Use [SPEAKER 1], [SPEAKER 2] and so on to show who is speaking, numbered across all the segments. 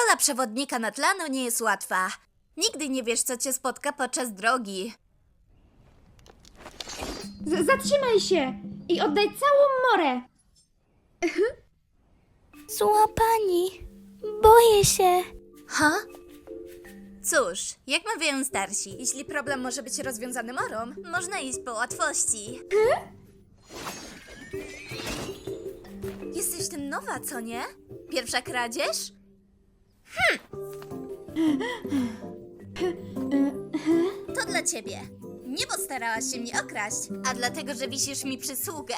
[SPEAKER 1] Rola przewodnika Natlanu nie jest łatwa. Nigdy nie wiesz, co cię spotka podczas drogi.
[SPEAKER 2] Zatrzymaj się i oddaj całą morę.
[SPEAKER 3] Złapani. Boję się.
[SPEAKER 1] Ha? Cóż, jak mawiają starsi, jeśli problem może być rozwiązany morą, można iść po łatwości. Jesteś ten nowa, co nie? Pierwsza kradzież? To dla ciebie. Nie postarałaś się mnie okraść, a dlatego, że wisisz mi przysługę.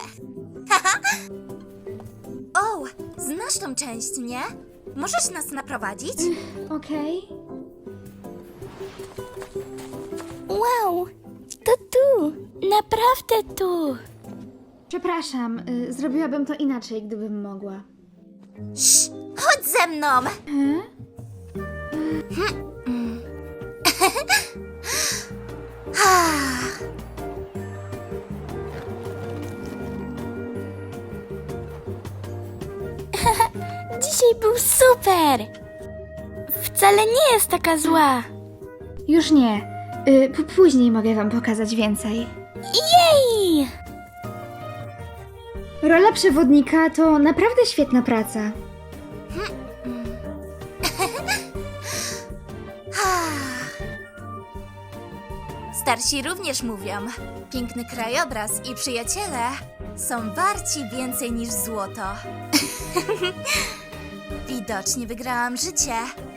[SPEAKER 1] O, znasz tą część, nie? Możesz nas naprowadzić?
[SPEAKER 2] Okej.
[SPEAKER 3] Wow. To tu. Naprawdę tu.
[SPEAKER 2] Przepraszam, zrobiłabym to inaczej, gdybym mogła.
[SPEAKER 1] Chodź ze mną!
[SPEAKER 3] Dzisiaj był super. Wcale nie jest taka zła.
[SPEAKER 2] Już nie. Później mogę wam pokazać więcej.
[SPEAKER 3] Jej!
[SPEAKER 2] Rola przewodnika to naprawdę świetna praca.
[SPEAKER 1] Starsi również mówią, piękny krajobraz i przyjaciele są warci więcej niż złoto. Widocznie wygrałam życie.